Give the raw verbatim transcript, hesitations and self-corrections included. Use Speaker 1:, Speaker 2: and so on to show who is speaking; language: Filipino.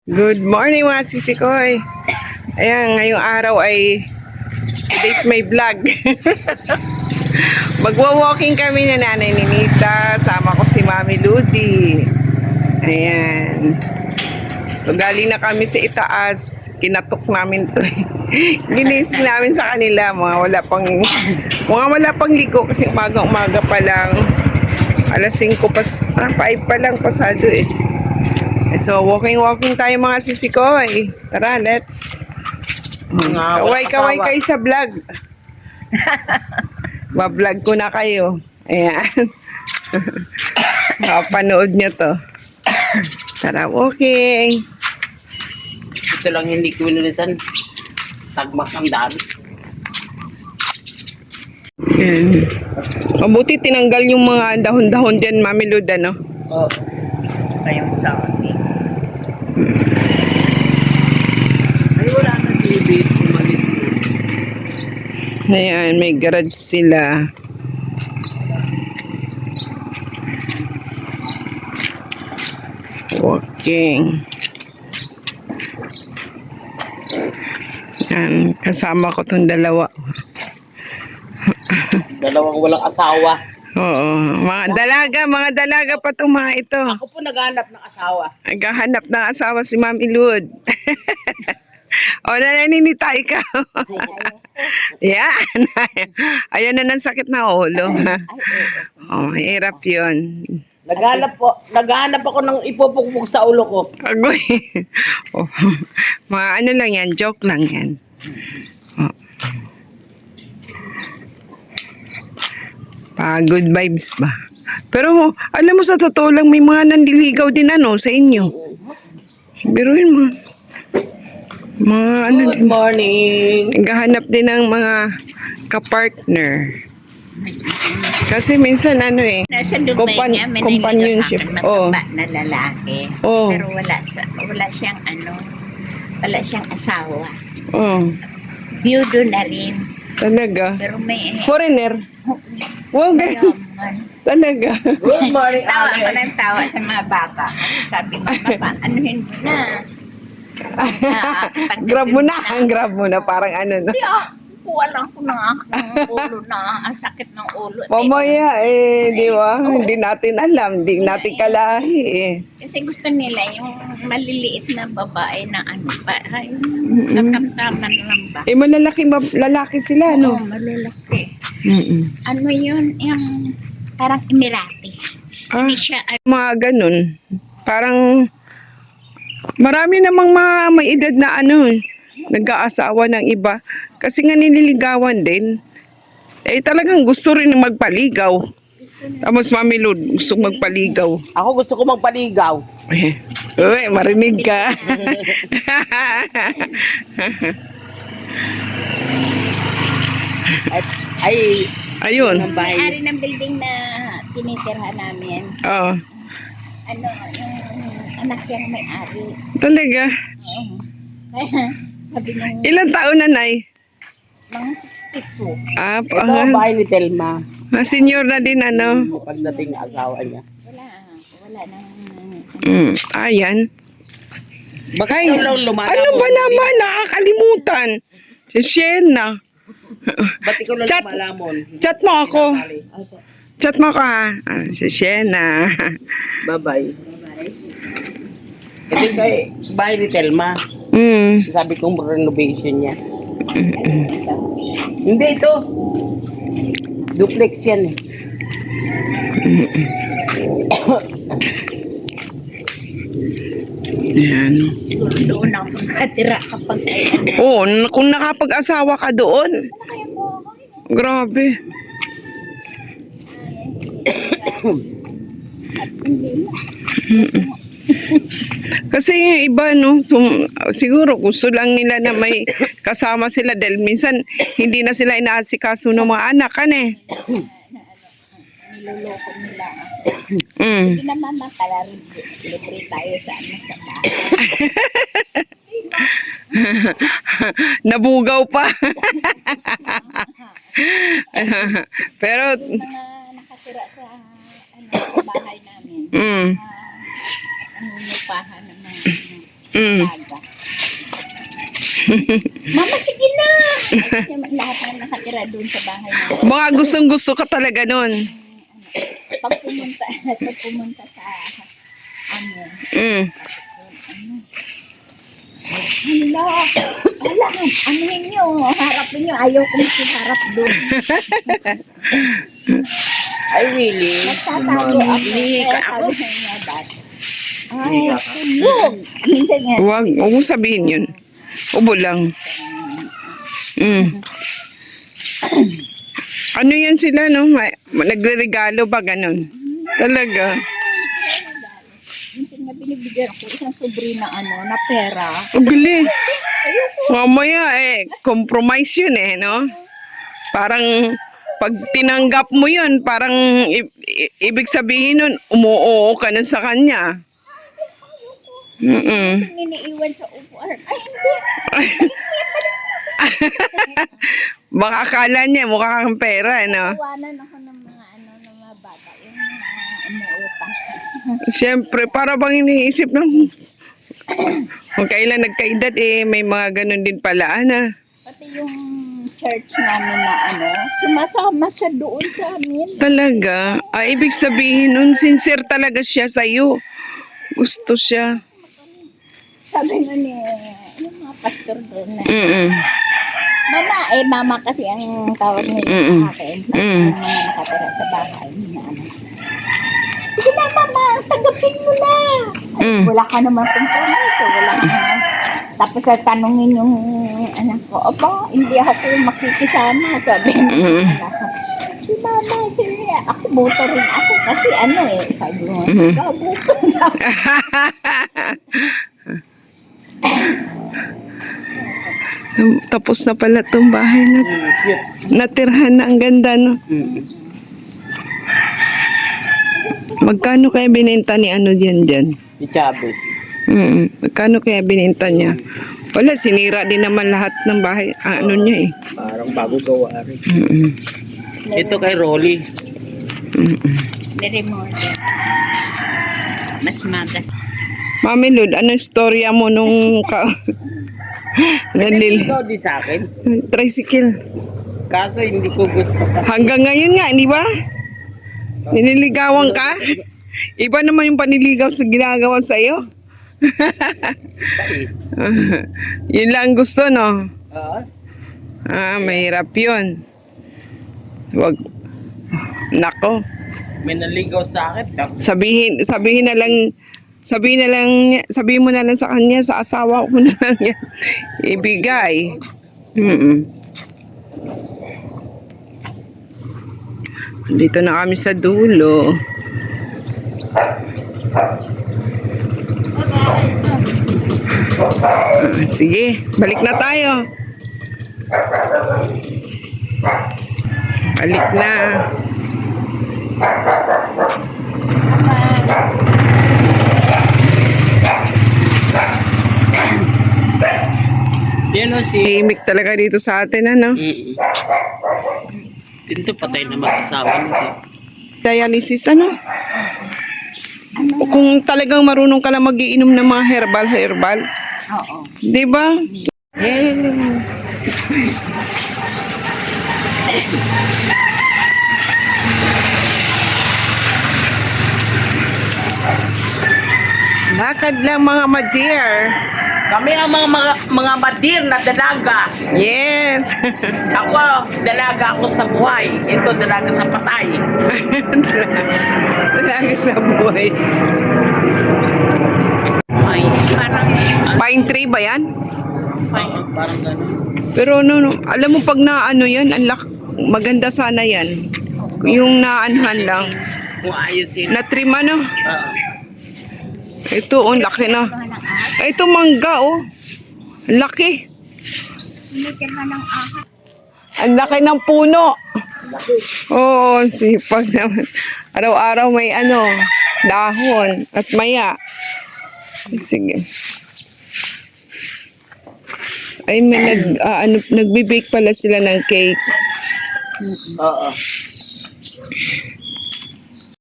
Speaker 1: Good morning mga sisikoy. Ayan, ngayong araw ay today's my vlog. Magwa-walking kami na nanay ni Nita. Sama ko si Mami Ludi. Ayan. So galing na kami sa itaas. Kinatok namin to. Ginising namin sa kanila. Mga wala pang, mga wala pang ligo kasi umaga-umaga pa lang. Alas singko pa, ah, five pa lang pasado eh. So, walking-walking tayo mga sisikoy. Tara, let's. Kaway-kaway kayo sa vlog. Ba-vlog ko na kayo. Ayan. Panood nyo to. Tara, walking.
Speaker 2: Ito lang hindi ko winulisan. Tagmak ang dami.
Speaker 1: Ayan. Mabuti tinanggal yung mga dahon-dahon dyan, Mami Luda, no?
Speaker 2: Oo. Kayong sa akin. Ay, wala na si Ibig. Umalis.
Speaker 1: Ayan, may garage sila. Walking. Ayan, kasama ko tong dalawa.
Speaker 2: Dalawang walang asawa.
Speaker 1: Oo, mga dalaga, mga dalaga pa itong mga ito.
Speaker 2: Ako po naghanap ng asawa.
Speaker 1: Naghahanap ng asawa si Mami Lud. O, nananinita ikaw. Yan. Ayan na ng sakit na ulo. Oh, hirap yun.
Speaker 2: Naghanap po, naghanap ako ng ipupukpuk sa ulo ko.
Speaker 1: Agoy. Oh, mga ano lang yan, joke lang yan. Oh. Pa, good vibes ba? Pero alam mo sa totoo lang may mga nandiligaw din ano sa inyo. Biruin mo. Mga ano
Speaker 2: Good
Speaker 1: din.
Speaker 2: morning.
Speaker 1: Naghahanap din ng mga kapartner. Kasi minsan ano eh,
Speaker 3: Nasa Dubai
Speaker 1: Compan-
Speaker 3: niya, may
Speaker 1: companionship.
Speaker 3: companionship.
Speaker 1: Oh.
Speaker 3: Mataba na lalaki.
Speaker 1: Oh.
Speaker 3: Pero wala, sa, wala siyang ano, wala siyang asawa.
Speaker 1: Oh,
Speaker 3: Biyudo na rin.
Speaker 1: talaga.
Speaker 3: Pero may,
Speaker 1: Foreigner. Wow, ganyan.
Speaker 3: yaman.
Speaker 1: Talaga.
Speaker 2: Good morning,
Speaker 3: Tawa ko
Speaker 2: Alex.
Speaker 3: ng tawa sa mga bata. Sabi mo, papa, anuhin mo na. Ah, tanggapin
Speaker 1: Grab mo na, ang grab mo na. Parang ano no.
Speaker 3: Hindi ah, kuha lang ko ng ng ulo na, ang sakit ng ulo.
Speaker 1: Mamaya eh, di ba? Hindi natin alam, hindi natin kalahi eh.
Speaker 3: Kasi gusto nila yung maliliit na babae na ano pa, ay, yung katamtaman lang ba?
Speaker 1: Eh, malalaki, ba- lalaki sila,
Speaker 3: Oo,
Speaker 1: no?
Speaker 3: malalaki.
Speaker 1: Mm-mm.
Speaker 3: Ano yun, yung parang Emirati.
Speaker 1: Ah,
Speaker 3: Hindi siya, ano,
Speaker 1: mga ganun. Parang, marami namang mga may edad na ano, nag-aasawa ng iba. Kasi nga nililigawan din. Eh, talagang gusto rin magpaligaw. Tapos Mami Lud, gusto magpaligaw.
Speaker 2: Ako gusto ko magpaligaw.
Speaker 1: Eh, uy, marinig ka.
Speaker 2: Ay, ay
Speaker 1: Ayun.
Speaker 2: ng bahay.
Speaker 3: may-ari ng building na tinitirhan namin.
Speaker 1: Oo.
Speaker 3: Ano, yung anak niyang may-ari.
Speaker 1: Talaga.
Speaker 3: Oo. Kaya, sabi nung
Speaker 1: Ilang taon na, Nay?
Speaker 3: mga sixty-two.
Speaker 1: Ah,
Speaker 2: Ito
Speaker 1: pa,
Speaker 2: ang bahay ni Telma.
Speaker 1: ah, senior na din, ano?
Speaker 2: Pagdating ng asawa niya.
Speaker 3: Wala, wala nang,
Speaker 1: Mm, ayan.
Speaker 2: Bakit
Speaker 1: Ay,
Speaker 2: ikaw lang lumalabas?
Speaker 1: ano ba naman? Nakakalimutan. Si Shena.
Speaker 2: Ba't ikaw lang
Speaker 1: Chat.
Speaker 2: lumalamon?
Speaker 1: Chat mo ako.
Speaker 2: Sali.
Speaker 1: Chat mo ako, ha? Ah, si Shena.
Speaker 2: Bye-bye. Ito yung kay- bahay ni Telma.
Speaker 1: Mm.
Speaker 2: Sabi kong renovation niya. Hindi ito. Duplex yan eh.
Speaker 1: Ayan.
Speaker 3: doon ako nakatira kapag ay ano.
Speaker 1: Oo, oh, kung nakapag-asawa ka doon. Grabe. Kasi yung iba, no, sum, siguro gusto lang nila na may kasama sila dahil minsan hindi na sila inaasikaso ng mga anak, kan eh.
Speaker 3: Niloloko nila.
Speaker 1: Mm.
Speaker 3: Hindi naman makala libre tayo sa ano sa bahay.
Speaker 1: Nabugaw pa. Pero,
Speaker 3: Yung mga nakatira sa ano sa bahay namin.
Speaker 1: mm,
Speaker 3: Ano lupahan ng mga ano.
Speaker 1: Mm.
Speaker 3: Aga. Mama, sige na! Kasi lahat na nakatira doon sa bahay na.
Speaker 1: Mga gustong gusto ka talaga nun.
Speaker 3: Pag pumunta, pag pumunta sa, ano,
Speaker 1: Mm.
Speaker 3: Hello. Wala. Ano ninyo? Harapin nyo. Ayaw kong harap doon.
Speaker 2: Ay, really?
Speaker 3: Nagtatago ako.
Speaker 2: Hinihi
Speaker 3: Kaya
Speaker 2: ka
Speaker 3: sabi
Speaker 2: ako.
Speaker 3: sa inyo dati. Ay, tulog. Minsan nga.
Speaker 1: Huwag, huwag mo sabihin yun. Ubo lang. Mm. Ano yan sila, no? May- Nagre-regalo ba ganun? Talaga.
Speaker 3: Minsan nga binibigyan ako isang sobre na ano, na pera.
Speaker 1: Ang gali. Mamaya eh, compromise yun eh, no? Parang pag tinanggap mo yun, parang i- i- ibig sabihin nun, umuoo ka na sa kanya. Mm-mm.
Speaker 3: Niniiwan sa upuan. Ay, hindi.
Speaker 1: Baka akala niya mukha kang pera, no?
Speaker 3: Iwanan ako ng mga ano, ng mga bata. Yung mga umuutang.
Speaker 1: Siyempre, para bang iniisip ng kung kailan nagkaedad eh, may mga ganun din pala, ana.
Speaker 3: Pati yung church namin na ano, sumasama siya doon sa amin.
Speaker 1: Talaga? Ah, ibig sabihin nun, sincere talaga siya sa'yo. Gusto siya.
Speaker 3: Sabi nga ni, yung mga pastor doon na,
Speaker 1: Mm-mm.
Speaker 3: Mama, eh mama kasi ang tawag nila
Speaker 1: Mm-mm.
Speaker 3: sa akin.
Speaker 1: Mm.
Speaker 3: Yung mga nakatira sa bahay na ano. Sige na mama, tanggapin mo na. Ay,
Speaker 1: Mm.
Speaker 3: wala ka naman kompromiso, wala ka na. Tapos sa tanungin yung anak ko, Opo, hindi ako makikisama. Sabi ng
Speaker 1: Mm.
Speaker 3: anak ko. Si mama, sige, ako boto rin ako kasi ano eh, sabi mo,
Speaker 1: Mm.
Speaker 3: ikaw boto.
Speaker 1: Tapos na pala itong bahay na
Speaker 2: Mm, cute.
Speaker 1: natirhan na. Ang ganda, no?
Speaker 2: Mm.
Speaker 1: Magkano kaya binenta ni ano dyan dyan?
Speaker 2: Si Chavez.
Speaker 1: Mm, magkano kaya binenta niya? Wala, sinira din naman lahat ng bahay. Ah, ano niya eh.
Speaker 2: Parang bago gawa rin.
Speaker 1: Mm-mm.
Speaker 2: Ito kay Rolly.
Speaker 1: Mm-mm.
Speaker 3: Niremodel. Mas magas.
Speaker 1: Mami Lud, anong storya mo nung ka... Nandil...
Speaker 2: Ikaw di sa akin.
Speaker 1: Tricycle.
Speaker 2: Kaso hindi ko gusto ka.
Speaker 1: Hanggang ngayon nga, di ba? Niniligawan ka? Iba naman yung paniligaw sa ginagawa sa'yo. Yun lang gusto, no?
Speaker 2: Ah,
Speaker 1: Ah, mahirap yun. Wag. Nako.
Speaker 2: may naligaw sa akin. Tapos
Speaker 1: Sabihin, sabihin na lang, sabihin na lang, niya- sabihin mo na lang sa kanya, sa asawa ko na lang yan. Ibigay. Mm-mm. Dito na kami sa dulo. Ah, sige, balik na tayo. Balik na.
Speaker 2: yan o si...
Speaker 1: Tahimik talaga dito sa atin, ano?
Speaker 2: Mm. Dito patay na mag-asawa nito.
Speaker 1: Dialysis, ano? O kung talagang marunong ka lang magiinom ng mga herbal-herbal,
Speaker 3: Oo.
Speaker 1: di ba? Eh. Lakad lang mga ma-dear.
Speaker 2: Kami ang mga mga, mga madir na dalaga.
Speaker 1: Yes.
Speaker 2: Ako, dalaga ako sa buhay. Ito, dalaga sa patay.
Speaker 1: Talaga sa buhay.
Speaker 2: Ay, parang...
Speaker 1: Pine tree ba yan?
Speaker 2: Oo, parang gano'n.
Speaker 1: Pero no, no, alam mo pag naano yan, ang lak- maganda sana yan. Yung naanhan lang.
Speaker 2: Kung ayusin.
Speaker 1: Na-trim ano?
Speaker 2: Oo.
Speaker 1: Ito, oh, ang laki na. Ay, ito mangga, oh. Ang laki.
Speaker 3: Hindi ka ng ahas.
Speaker 1: Ang laki ng puno. Oo, sipag naman. Araw-araw may ano, dahon at maya. Sige. Ay, may nag, ah, ano, nagbe-bake pala sila ng cake.
Speaker 2: Oo.